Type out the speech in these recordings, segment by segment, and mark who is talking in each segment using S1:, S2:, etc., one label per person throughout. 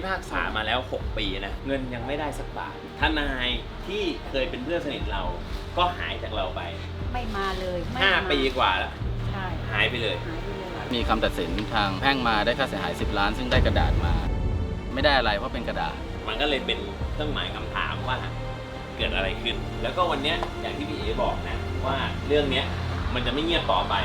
S1: พากษามาแล้ว6 ปีนะเงินยังไม่ได้สักบาททนายที่เคยเป็นเพื่อนสนิทเราก็หายจากเราไป
S2: ไม่มาเลย
S1: 5 ปีกว่าแล้ว
S2: ใช่
S1: หายไปเลย
S3: มีคำตัดสินทางแพ่งมาได้ค่าเสียหาย10 ล้านซึ่งได้กระดาษมาไม่ได้อะไรเพราะเป็นกระดาษ
S1: มันก็เลยเป็นเครื่องหมายคำถามว่าเกิดอะไรขึ้นแล้วก็วันนี้อย่างที่พี่เอ๋บอกนะว่าเรื่องนี้มันจะไม่เงียบต่อไป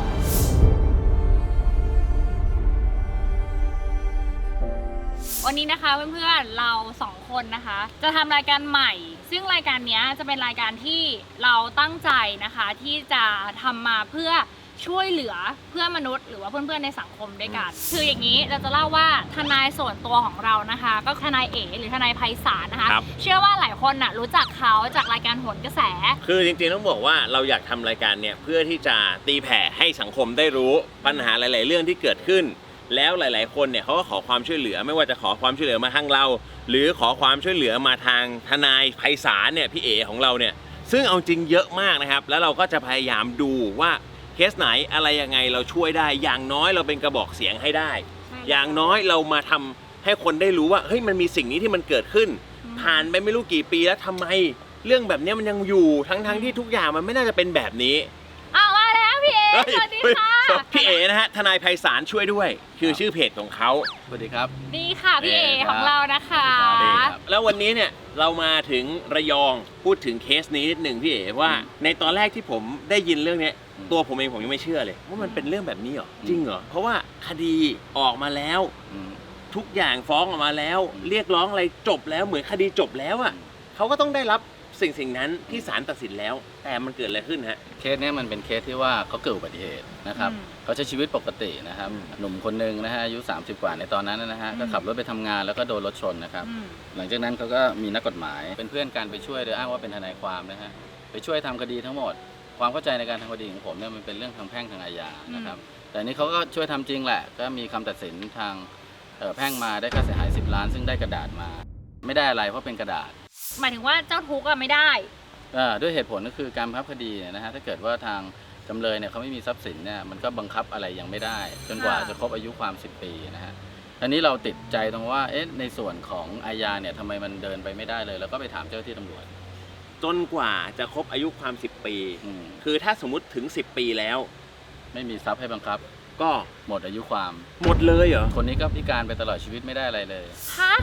S4: วันนี้นะคะเพื่อนๆเรา2 คนนะคะจะทำรายการใหม่ซึ่งรายการนี้จะเป็นรายการที่เราตั้งใจนะคะที่จะทำมาเพื่อช่วยเหลือเพื่อนมนุษย์หรือว่าเพื่อนๆในสังคมด้วยกันคืออย่างนี้เราจะเล่าว่าทนายส่วนตัวของเรานะคะก็ทนายเอ๋หรือทนายไพศาลนะคะเชื่อว่าหลายคนน่ะรู้จักเขาจากรายการโหนกระแส
S1: คือจริงๆต้องบอกว่าเราอยากทำรายการเนี่ยเพื่อที่จะตีแผ่ให้สังคมได้รู้ปัญหาหลายๆเรื่องที่เกิดขึ้นแล้วหลายๆคนเนี่ยเขาก็ขอความช่วยเหลือไม่ว่าจะขอความช่วยเหลือมาทางเราหรือขอความช่วยเหลือมาทางทนายไพศาลเนี่ยพี่เอ๋ของเราเนี่ยซึ่งเอาจริงเยอะมากนะครับแล้วเราก็จะพยายามดูว่าเคสไหนอะไรยังไงเราช่วยได้อย่างน้อยเราเป็นกระบอกเสียงให้ได้อย่างน้อยเรามาทำให้คนได้รู้ว่าเฮ้ยมันมีสิ่งนี้ที่มันเกิดขึ้นผ่านไปไม่รู้กี่ปีแล้วทำไมเรื่องแบบนี้มันยังอยู่ทั้งที่ทุกอย่างมันไม่น่าจะเป็นแบบนี้
S4: มาแล้วพี่เอ๋สวัสดีค่ะ
S1: พี่เอ๋นะฮะทนายไพศาลช่วยด้วยคือชื่อเพจของเขา
S3: สวัสดีครับ
S4: ดีค่ะพี่เอ๋ของเรานะคะ
S1: แล้ววันนี้เนี่ยเรามาถึงระยองพูดถึงเคสนี้นิดหนึ่งพี่เอ๋ว่าในตอนแรกที่ผมได้ยินเรื่องนี้ตัวผมเองผมยังไม่เชื่อเลยว่ามันเป็นเรื่องแบบนี้เหรอจริงเหรอเพราะว่าคดีออกมาแล้วทุกอย่างฟ้องออกมาแล้วเรียกร้องอะไรจบแล้วเหมือนคดีจบแล้วอ่ะเขาก็ต้องได้รับสิ่งนั้นที่ศาลตัดสินแล้วแต่มันเกิดอะไรขึ้นฮะ
S3: เคสนี้มันเป็นเคสที่ว่าเขาเกิดอุบัติเหตุนะครับเขาใช้ชีวิตปกตินะครับหนุ่มคนหนึ่งนะฮะอายุ30 กว่าในตอนนั้นนะฮะก็ขับรถไปทำงานแล้วก็โดนรถชนนะครับหลังจากนั้นเขาก็มีนักกฎหมายเป็นเพื่อนกันไปช่วยโดยอ้างว่าเป็นทนายความนะฮะไปช่วยทำคดีทั้งหมดความเข้าใจในการทำคดีของผมเนี่ยมันเป็นเรื่องทางแพ่งทางอาญานะครับแต่นี้เขาก็ช่วยทำจริงแหละก็มีคำตัดสินทางแพ่งมาได้ค่าเสียหาย10 ล้านซึ่งได้กระดาษมาไม่ได้อะไรเพราะเป็นกระดาษ
S4: หมายถึงว่าเจ้าทุกข์ไม่ได้
S3: ด้วยเหตุผลก็คือการบังคับคดีนะฮะถ้าเกิดว่าทางจำเลยเนี่ยเขาไม่มีทรัพย์สินเนี่ยมันก็บังคับอะไรยังไม่ได้จนกว่าจะครบอายุความ10 ปีนะฮะอันนี้เราติดใจตรงว่าในส่วนของอาญาเนี่ยทำไมมันเดินไปไม่ได้เลยแล้วก็ไปถามเจ้าหน้าที่ตำรวจ
S1: จนกว่าจะครบอายุความ10 ปีคือถ้าสมมุติถึง10 ปีแล้ว
S3: ไม่มีทรัพย์ให้บังคับ
S1: ก็
S3: หมดอายุความ
S1: หมดเลยเหรอ
S3: คนนี้ก็พิการไปตลอดชีวิตไม่ได้อะไรเลย
S4: ฮะ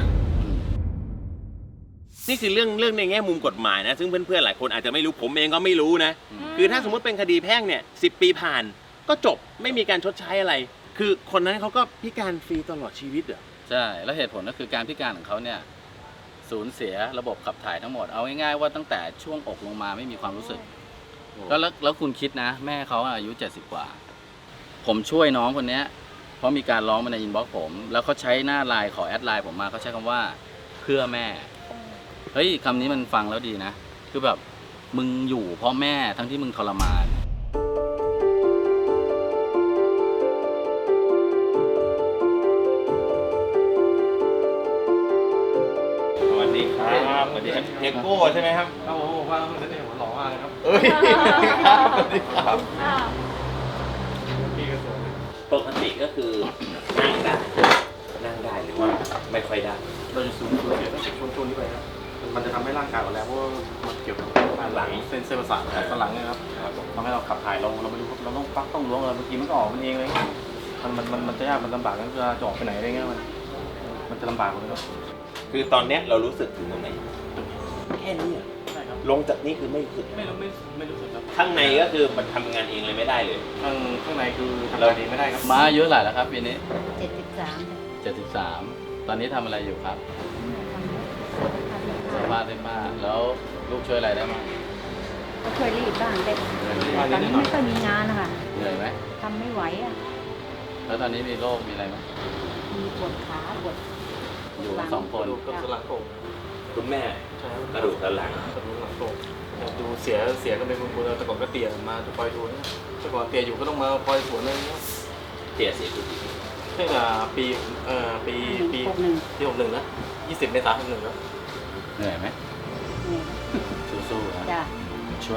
S1: นี่คือเรื่องในแง่มุมกฎหมายนะซึ่งเพื่อนๆหลายคนอาจจะไม่รู้ผมเองก็ไม่รู้นะคือถ้าสมมติเป็นคดีแพ่งเนี่ย10 ปีผ่านก็จบไม่มีการชดใช้อะไรคือคนนั้นเขาก็พิการฟรีตลอดชีวิตเหรอ
S3: ใช่แล้วเหตุผลก็คือการพิการของเขาเนี่ยสูญเสียระบบขับถ่ายทั้งหมดเอาง่ายๆว่าตั้งแต่ช่วงอกลงมาไม่มีความรู้สึกแล้วคุณคิดนะแม่เขาอายุ70 กว่าผมช่วยน้องคนนี้เพราะมีการร้องมาในอินบ็อกซ์ผมแล้วเขาใช้หน้าไลน์ขอแอดไลน์ผมมาเขาใช้คำว่าเพื่อแม่เฮ้ยคำนี้มันฟังแล้วดีนะคือแบบมึงอยู่เพราะแม่ทั้งที่มึงทรมาน
S1: สวัสดีครับสวัสดีครับเทโก้ใช่ไหมครับ
S5: โอ้โหว่าเสน่ห์หัวหล่อมากเลยครับ
S1: ครับสวัสดีครับ
S5: พี่ก็สวย
S1: ปกติก็คือนั่งได้หรือว่าไม่ค่อยได้
S5: เราจะสูงเกี่ยวกับช่วงนี้ไปครับมันจะทำให้ร่างกายอ่อนแรงเพราะว่ามันเกี่ยวกับหลังเส้นประสาทสันหลังเนี่ยครับทำให้เราขับถ่ายเราไม่รู้เราต้องปักต้องล้วงอะไรเมื่อกี้มันก็ออกมันเองเลยมันจะยากมันลำบากกันจะออกไปไหนอะไรเงี้ยมันจะลำบากเลยครับ
S1: คือตอนเนี้ยเรารู้สึกถึงตรงไหนแค่นี้
S5: ใช่ครับ
S1: ลงจากนี้คือไม่รู้สึก
S5: ไม่รู้สึกครับ
S1: ข้างในก็คือมันทำงานเองเลยไม่ได้เลย
S5: ข้างในคือทำงานเองไม่ได้ครับ
S3: มาเยอะหลายแล้วครับปีนี้
S2: 73
S3: ตอนนี้ทำอะไรอยู่ครับสัมภาษณ์ได้มากแล้วลูกช่วยอะไรได้บ้าง
S2: ก็ช่วยรีดบ้างแต่ตอนนี้ไม่ค่อยมีงานนะคะ
S3: เหนื่อยไหม
S2: ทำไม่ไหวอ่ะ
S3: แล้วตอนนี้มีโรคมีอะไรไหม
S2: มีปวดขาปวด
S3: อยู่2 คน
S5: กระดูกหลังโป่ง
S1: คุณแม่กระดูกสันหลัง
S5: โป่งดูเสียกันเป็นคนแต่ก่อนก็เตี่ยมาจะคอยดูแต่ก่อนเตี่ยอยู่ก็ต้องมาคอยสวนอะไรเงี้ย
S1: เสียกี่ปี
S5: ใช่ปี61นะ20 เมษายน61แล้ว
S3: เหนื่อยไหมสู้ๆนะช่วย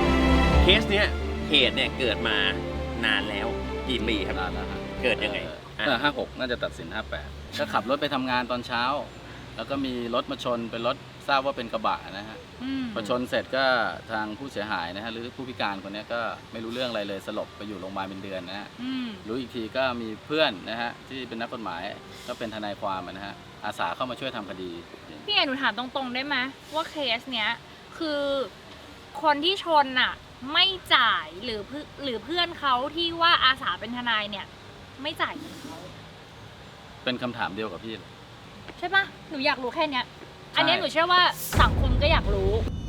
S1: เคสเนี้ยเหตุเนี่ยเกิดมานานแล้วกี่ปีครับ
S3: นานแล้ว
S1: เกิดยังไง
S3: 56 น่าจะตัดสิน 58 ก็ขับรถไปทำงานตอนเช้า แล้วก็มีรถมาชนเป็นรถทราบว่าเป็นกระบะนะฮะพอชนเสร็จก็ทางผู้เสียหายนะฮะหรือผู้พิการคนนี้ก็ไม่รู้เรื่องอะไรเลยสลบไปอยู่โรงพยาบาลเป็นเดือนนะฮะรู้อีกทีก็มีเพื่อนนะฮะที่เป็นนักกฎหมายก็เป็นทนายความนะฮะอาสาเข้ามาช่วยทำคดี
S4: พี่เอ๋หนูถามตรงๆได้ไหมว่าเคสเนี้ยคือคนที่ชนอ่ะไม่จ่ายหรือเพื่อนเขาที่ว่าอาสาเป็นทนายเนี่ยไม่จ่ายเงินเขา
S3: เป็นคำถามเดียวกับพี่เลย
S4: ใช่ปะหนูอยากรู้แค่เนี้ยอันเนี้ยหนูเชื่อว่าสังคมก็อยากรู้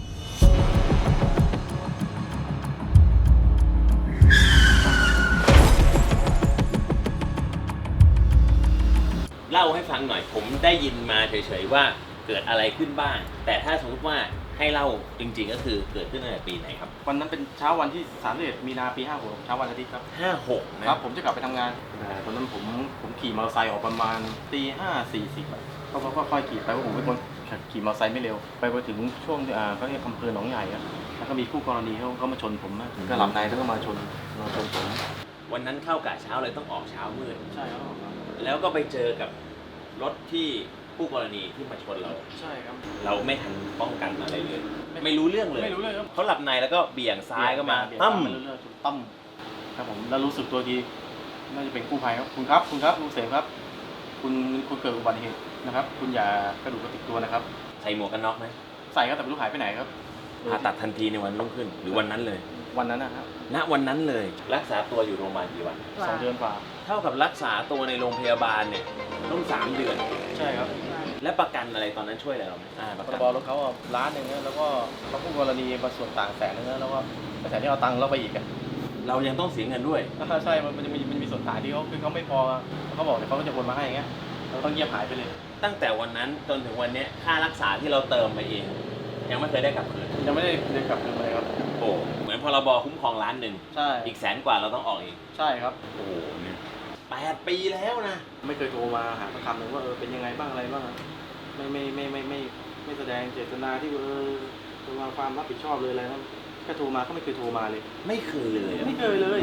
S1: เล่าให้ฟังหน่อยผมได้ยินมาเฉยๆว่าเกิดอะไรขึ้นบ้าง แต่ถ้าสมมติว่าให้เล่าจริงๆก็คือเกิดขึ้นตั้งแต่ปีไหนครับ
S5: วันนั้นเป็นเช้าวันที่31 มีนาปี 56 เช้าวันอาทิตย์ครับ
S1: 56 นะ
S5: ครับผมจะกลับไปทำงานตอนนั้นผมขี่มอเตอร์ไซค์ออกประมาณตี 5:40ก็ค่อยๆขี่ไปเพราะผมเป็นคนขี่มอเตอร์ไซค์ไม่เร็วไปถึงช่วงก็เรียกอำเภอหนองใหญ่ครับแล้วก็มีคู่กรณีเขามาชนผมนะก็หลับในแล้วก็มาชนผม
S1: วันนั้นเข้ากะเช้าเลยต้องออกเช้ามืด
S5: ใช่ครับ
S1: แล้วก็ไปเจอกับรถที่ผู้กรณีที่มาชนเรา
S5: ใช่ครับ
S1: เราไม่ทันป้องกันอะไรเลย ไม่รู้เรื่องเลย
S5: ไม่รู้เรื่องครับ
S1: เขาหลับในแล้วก็เบี่ยงซ้ายก็มา
S5: ตั้
S1: ตั้
S5: ม
S1: ม
S5: เรื่อยๆตั้มครับผมแล้วรู้สึกตัวทีน่าจะเป็นกู้ภัยครับคุณครับลุงเสมครับคุณเกิดอุบัติเหตุนะครับคุณอย่ากระดูกกระติกตัวนะครับ
S1: ใส่หมวกกันน็อกไหม
S5: ใส่ครับแต่ไม่รู้หายไปไหนครับ
S1: ผ่าตัดทันทีในวันรุ่งขึ้น หรือวันนั้นเลย
S5: วันนั้นนะครับ
S1: ณวันนั้นเลยรักษาตัวอยู่โรงพยาบาลกี่วัน
S5: 2 เดือนกว่า
S1: เท่ากับรักษาตัวในโรงพยาบาลเนี่ยต้อง3 เดือน
S5: ใช่ครับ
S1: และประกันอะไรตอนนั้นช่วยอะไรเราไหมประ
S5: พ
S1: กั
S5: ร
S1: น
S5: บรถเขา1,000,000นะแล้วก็เขาคู่กรณีมาส่วนต่าง100,000นะแล้วก็แสนที่เอาตังค์เราไปอีกอ่ะ
S1: เรายังต้องเสียเงินด้วย
S5: ใช่มันจะมีส่วนต่างที่เขาคือเขาไม่พอเขาบอกเดี๋ยวเขาก็จะโอนมาให้อย่างเงี้ยเราต้องเงียบหายไปเลย
S1: ตั้งแต่วันนั้นจนถึงวันเนี้ยค่ารักษาที่เราเติมไปเองยังไม่เคยได้กลับคืน
S5: ยังไม่ได้เดินกลับคืนเลยครับ
S1: โอ้เหมือนพรบคุ้มครอง1,000,000
S5: ใช่
S1: อีก100,000 กว่าเราต้องออกอีก
S5: ใช่ครับ
S1: โอ้โหเนี่ย8 ปีแล้วนะ
S5: ไม่เคยโทรมาหาประคำเลยว่าเป็นยังไงบ้างอะไรบ้างไม่แสดงเจตนาที่จะวางความรับผิดชอบเลยอะไรนะแค่โทรมาก็ไม่เคยโทรมาเลย
S1: ไม่เคยเลย
S5: ไม่เคยเลย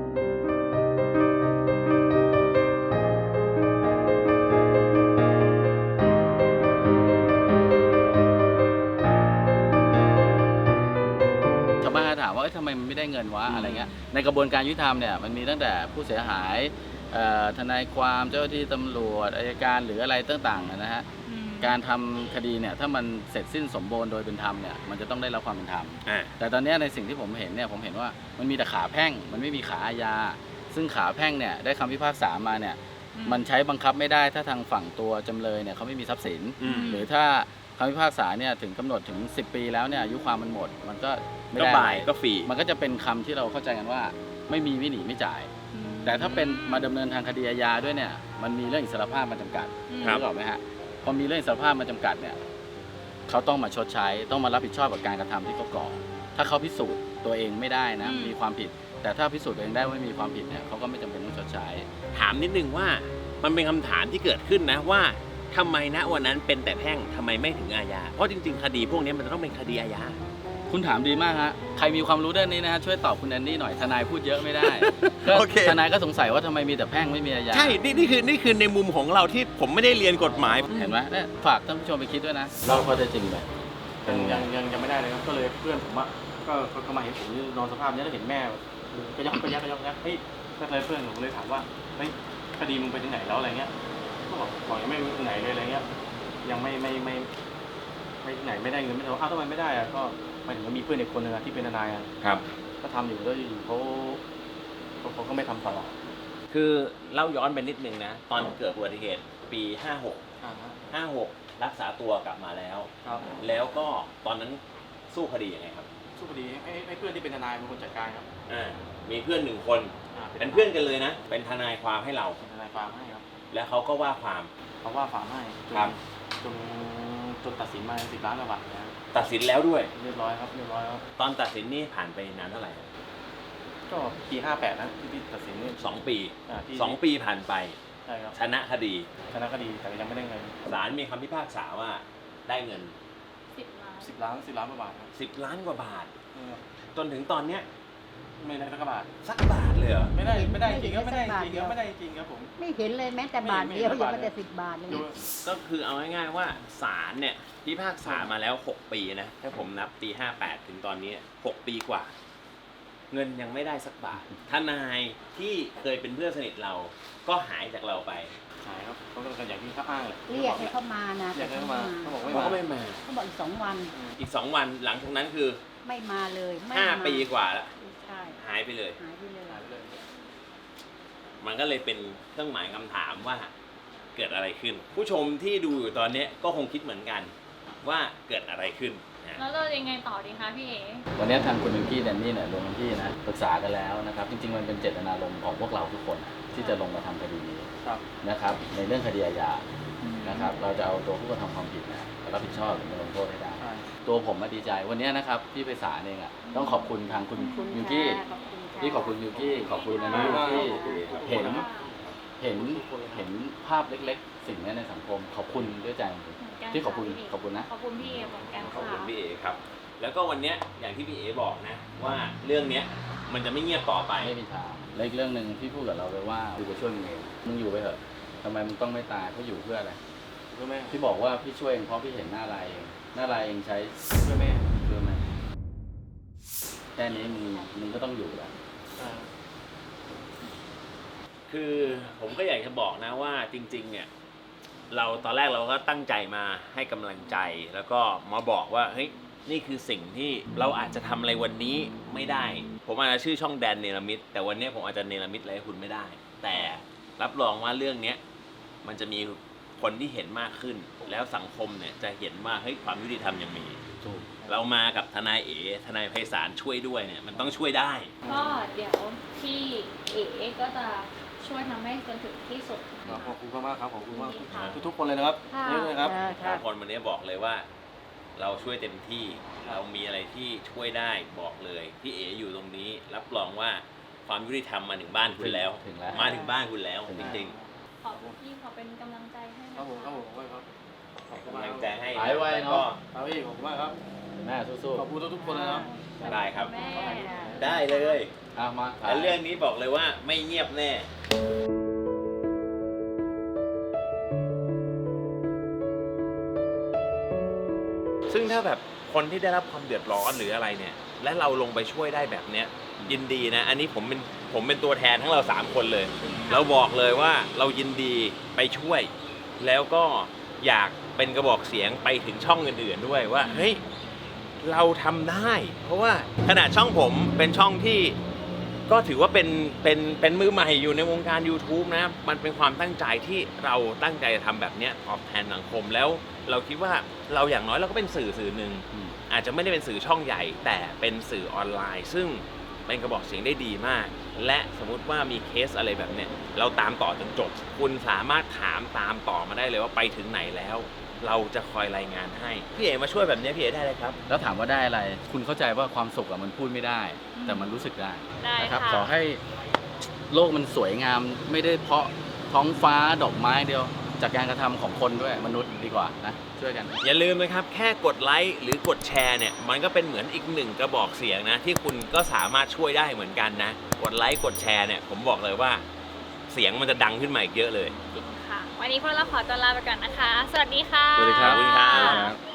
S3: ชาวบ้านก็ถามว่าทำไมมันไม่ได้เงินวะอะไรเงี้ยในกระบวนการยุติธรรมเนี่ยมันมีตั้งแต่ผู้เสียหายทนายความเจ้าหน้าที่ตำรวจอัยการหรืออะไรต่างๆนะฮะการทำคดีเนี่ยถ้ามันเสร็จสิ้นสมบูรณ์โดยเป็นธรรมเนี่ยมันจะต้องได้รับความเป็นธรรมแต่ตอนนี้ในสิ่งที่ผมเห็นเนี่ยผมเห็นว่ามันมีแต่ขาแพ่งมันไม่มีขาอาญาซึ่งขาแพ่งเนี่ยได้คำพิพากษามาเนี่ยมันใช้บังคับไม่ได้ถ้าทางฝั่งตัวจำเลยเนี่ยเขาไม่มีทรัพย์สินหรือถ้าคำพิพากษาเนี่ยถึงกำหนดถึง10 ปีแล้วเนี่ยอายุความมันหมดมันก็ไม่ได้
S1: บ่ายก็ฟรี
S3: มันก็จะเป็นคำที่เราเข้าใจกันว่าไม่มีไม่หนีไม่จ่ายแต่ถ้าเป็นมาดำเนินทางคดีอาญาด้วยเนี่ยมันมีเรื่องอิสรภาพมาจำกัดรู้หรอไหมฮะพอมีเรื่องอิสรภาพมาจำกัดเนี่ยเขาต้องมาชดใช้ต้องมารับผิดชอบกับการกระทำที่เขาก่อถ้าเขาพิสูจน์ตัวเองไม่ได้นะมีความผิดแต่ถ้าพิสูจน์ตัวเองได้ว่ามีความผิดเนี่ยเขาก็ไม่จำเป็นต้องชดใช้
S1: ถามนิดนึงว่ามันเป็นคำถามที่เกิดขึ้นนะว่าทำไมณวันนั้นเป็นแต่แพ่งทำไมไม่ถึงอาญาเพราะจริงๆคดีพวกนี้มันจะต้องเป็นคดีอาญา
S3: คุณถามดีมากฮะใครมีความรู้ด้านนี้นะฮะช่วยตอบคุณแอนนี่หน่อยทนายพูดเยอะไม่ได้
S1: โอเค
S3: ทนายก็สงสัยว่าทำไมมีแต่แพ่งไม่มีอาญา
S1: ใช่นี่คือในมุมของเราที่ผมไม่ได้เรียนกฎหมาย
S3: เห็นไหมเนี่ยฝากท่านผู้ชมไปคิดด้วยนะเราพอจะจริงไหม
S5: ยังไม่ได้เลยครับก็เลยเพื่อนผมก็มาเห็นผมนอนสภาพนี้แล้วเห็นแม่ก็ยักเฮ้ยก็เลยเพื่อนผมเลยถามว่าเฮ้ยคดีมึงไปถึงไหนแล้วอะไรเงี้ยก็บอกยังไม่ถึงไหนเลยอะไรเงี้ยยังไม่ถึงไหนไม่ได้เงินไม่ได้ทำไมไม่ได้อะก็หมายถึงว่ามีเพื่อนอีกคนนึงที่เป็นทนาย
S1: ครับ
S5: ก็ทำอยู่แล้วอยู่เขาก็ไม่ทำต่อ
S1: คือเล่าย้อนไปนิดนึงนะตอนเกิดอุบัติเหตุปี56รักษาตัวกลับมาแล้วแล้วก็ตอนนั้นสู้คดียังไงครับ
S5: สู้คดีให้เพื่อนที่เป็นทนายเป็นคนจัดการครับ
S1: มีเพื่อน1 คนเป็นเพื่อนกันเลยนะเป็นทนายความให้เรา
S5: ทนายความให้ครับ
S1: แล้วเขาก็ว่าความ
S5: ให้จนตัดสินมา10 ล้านกว่าบาทนะ
S1: ตัดสินแล้วด้วย
S5: เรียบร้อยครับ
S1: ตอนตัดสินนี่ผ่านไปนานเท่าไหร่
S5: ก็ปี58นะที่ตัดสินนี่
S1: 2 ปี2 ปีผ่านไป
S5: ใช่ครับ
S1: ชนะคดี
S5: แต่ยังไม่ได้เงิน
S1: ศาลมีคำพิพากษาว่าได้เงิน
S5: 10 ล้านกว่าบาทครับ
S1: 10 ล้านกว่าบาทจนถึงตอนเนี้ย
S5: ไม่ได้สักบาท
S1: สักบาทเลยเหรอ
S5: ไม่ได้จริงครับไม่ได้จริงครับไม่ได้จริงครับผม
S2: ไม่เห็นเลยแม้แต่บาทเดียวยังไม่แต่10 บาทเลย
S1: ก็คือเอาง่ายๆว่าศาลเนี่ยพิพากษามาแล้ว 6 ปีนะถ้าผมนับปี 58 ถึงตอนนี้ 6 ปีกว่า เงินยังไม่ได้สักบาททนายที่เคยเป็นเพื่อนสนิทเราก็หายจากเราไป
S5: ใช่ครับเขาต้องการอย่างที่เขาอ้างเลย
S2: เรียกให้เขามานะ
S5: เรียกให้เขามาเขาบอก
S1: เขาก็
S5: ไม่
S1: ไม่
S5: มา
S1: มา
S2: เขาบอกอีก2 วัน
S1: อีก 2 วันหลังจากนั้นคือ
S2: ไม่มาเลยไม่มา
S1: 5 ปีกว่าแล้ว
S2: ใช่
S1: หายไปเลย
S2: หายไปเลย
S5: หายไปเลย
S1: มันก็เลยเป็นเครื่องหมายคำถามว่าเกิดอะไรขึ้น ผู้ชมที่ดูอยู่ตอนนี้ก็คงคิดเหมือนกันว่าเกิดอะไรขึ้นนะ
S4: แล้วเรายังไงต่อดีคะพี่เอ๋
S3: วันนี้ทางคุณมิวกี้แดนนี่เนี่ยลงพื้นที่นะปรึกษากันแล้วนะครับ จริงๆมันเป็นเจตนารมณ์ของพวกเราทุกคนนะที่จะลงมาทำคดีนี้
S5: ครับ
S3: นะครับ ในเรื่องคดีอาญานะครับ เราจะเอาตัวผู้กระทำความผิดนะรับผิดชอบหรือมาลงโทษให้ได้
S5: ใช่
S3: ตัวผมมาดีใจวันนี้นะครับพี่ไพศาลเองอ่ะต้องขอบคุณทางคุณ
S2: ขอบคุณ
S3: มิวกี้
S2: ค่ะขอบคุณค่ะ
S3: ที่ขอบคุณมิวกี้ขอบคุณนะมิวที่เห็นเห็นภาพเล็กๆ สิ่งนี้ในสังคมขอบคุณด้วยใจจริง
S4: เหมือนกัน
S3: ที่ขอบคุณ
S4: ะพี่
S3: ขอบคุณนะ
S4: ขอบคุณพี่เอ๋เหมือนกัน
S1: ขอบ
S4: ค่ะ
S1: คุณพี่เอ๋ครับ แล้วก็วันเนี้ยอย่างที่พี่เอ๋บอกนะว่าเรื่องเนี้ยมันจะไม่เงียบต่อไป
S3: ไม่มีทางและอีกเรื่องหนึ่งที่พูดกับเราไปว่ากูจะช่วยมึงเองมึงอยู่ไปเถอะทำไมมึงต้องไม่ตายเพราะอยู่เพื่ออะไร
S5: เพื่อแม่
S3: พี่บอกว่าพี่ช่วยเองเพราะพี่เห็นหน้าลายเองหน้าลายเองใช้
S5: เพื่อแม่
S3: เพื่อแม่แค่นี้มึงก็ต้องอยู่แล้ว
S5: อ่า
S1: คือผมก็อยากจะบอกนะว่าจริงๆเนี่ยเราตอนแรกเราก็ตั้งใจมาให้กำลังใจแล้วก็มาบอกว่าเฮ้ยนี่คือสิ่งที่เราอาจจะทำอะไรวันนี้ไม่ได้ ผมอาจจะชื่อช่องแดนเนรมิตแต่วันนี้ผมอาจจะเนรมิตอะไรให้คุณไม่ได้ แต่รับรองว่าเรื่องเนี้ยมันจะมีคนที่เห็นมากขึ้น แล้วสังคมเนี่ยจะเห็นว่าเฮ้ยความยุติธรรมยังมี
S3: ถูก
S1: เรามากับทนายเอ๋ทนายไพศาลช่วยด้วยเนี่ยมันต้องช่วยได้
S4: ก็เดี๋ยวพี่เอ๋ก็จะช่วยทำให้จนถึงที่สุด
S5: ครับขอบคุณมากๆครับขอบคุณมาก
S4: ค่ะ
S5: ทุกๆคนเลยนะครับ
S2: ค่ะ
S5: เยอะเลยครับ
S2: ค่ะ
S1: ทุกคนวันนี้บอกเลยว่า เราช่วยเต็มที่เรามีอะไรที่ช่วยได้บอกเลยพี่เอ๋อยู่ตรงนี้ รับรองว่าความยุติธรรมมาถึงบ้านคุณแล้ว
S3: ถึงแล้ว
S1: มาถึงบ้านคุณแล้วจริง
S4: ขอบพี่ขอเป็นกำลังใจให้
S5: ครับผม
S4: นะ
S5: ครับ
S4: คะ
S5: ผมครับขอบ
S1: ๆ
S5: คุณ
S1: กำ
S5: มาก
S1: ลัง
S5: ค
S1: ใจ
S5: รับ
S1: ให้
S3: หายไว
S1: แล้ว
S3: เน
S1: ก็
S3: อะ
S5: ครับพี่ขอบคุณมากครับ
S3: แม่สู้
S5: ขอบคุณทุกๆคนนะครับ
S1: ได้ครับ
S4: แม่
S1: ได้เลย
S3: ๆเอามา
S1: และเรื่องนี้บอกเลยว่าไม่เงียบแน่ ซึ่งถ้าแบบคนที่ได้รับความเดือดร้อนหรืออะไรเนี่ย และเราลงไปช่วยได้แบบเนี้ยยินดีนะ อันนี้ผมเป็นตัวแทนทั้งเรา3คนเลย เราบอกเลยว่าเรายินดีไปช่วย แล้วก็อยากเป็นกระบอกเสียงไปถึงช่องอื่นๆด้วยว่าเฮ้ยเราทำได้ เพราะว่าขนาดช่องผมเป็นช่องที่ก็ถือว่าเป็นมือใหม่อยู่ในวงการ YouTube นะมันเป็นความตั้งใจที่เราตั้งใจจะทำแบบเนี้ยตอบแทนสังคมแล้วเราคิดว่าเราอย่างน้อยเราก็เป็นสื่อหนึ่ง
S3: อืม
S1: อาจจะไม่ได้เป็นสื่อช่องใหญ่ แต่เป็นสื่อออนไลน์ ซึ่งเป็นกระบอกเสียงได้ดีมาก และสมมุติว่ามีเคสอะไรแบบเนี้ยเราตามต่อจนจบ คุณสามารถถามตามต่อมาได้เลยว่าไปถึงไหนแล้ว เราจะคอยรายงานให้พี่เอ๋มาช่วยแบบนี้พี่เอ๋ได้เลยครับ
S3: แล้วถามว่าได้อะไร คุณเข้าใจว่าความสุขอะมันพูดไม่ได้ แต่มันรู้สึกได้
S4: ได้
S3: นะครับ
S4: ค่ะ
S3: ขอให้โลกมันสวยงามไม่ได้เพราะท้องฟ้าดอกไม้เดียว จากการกระทำของคนด้วยมนุษย์ดีกว่านะช่วยกัน
S1: อย่าลืมนะครับแค่กดไลค์หรือกดแชร์เนี่ยมันก็เป็นเหมือนอีกหนึ่งกระบอกเสียงนะที่คุณก็สามารถช่วยได้เหมือนกันนะกดไลค์กดแชร์เนี่ยผมบอกเลยว่าเสียงมันจะดังขึ้นมาอีกเยอะเลย
S4: ค่ะ วันนี้พวกเราขอตัวลาไปก่อนนะคะ สวัสดีค่ะ
S3: สวัสดีครับ
S1: ขอบคุณครับ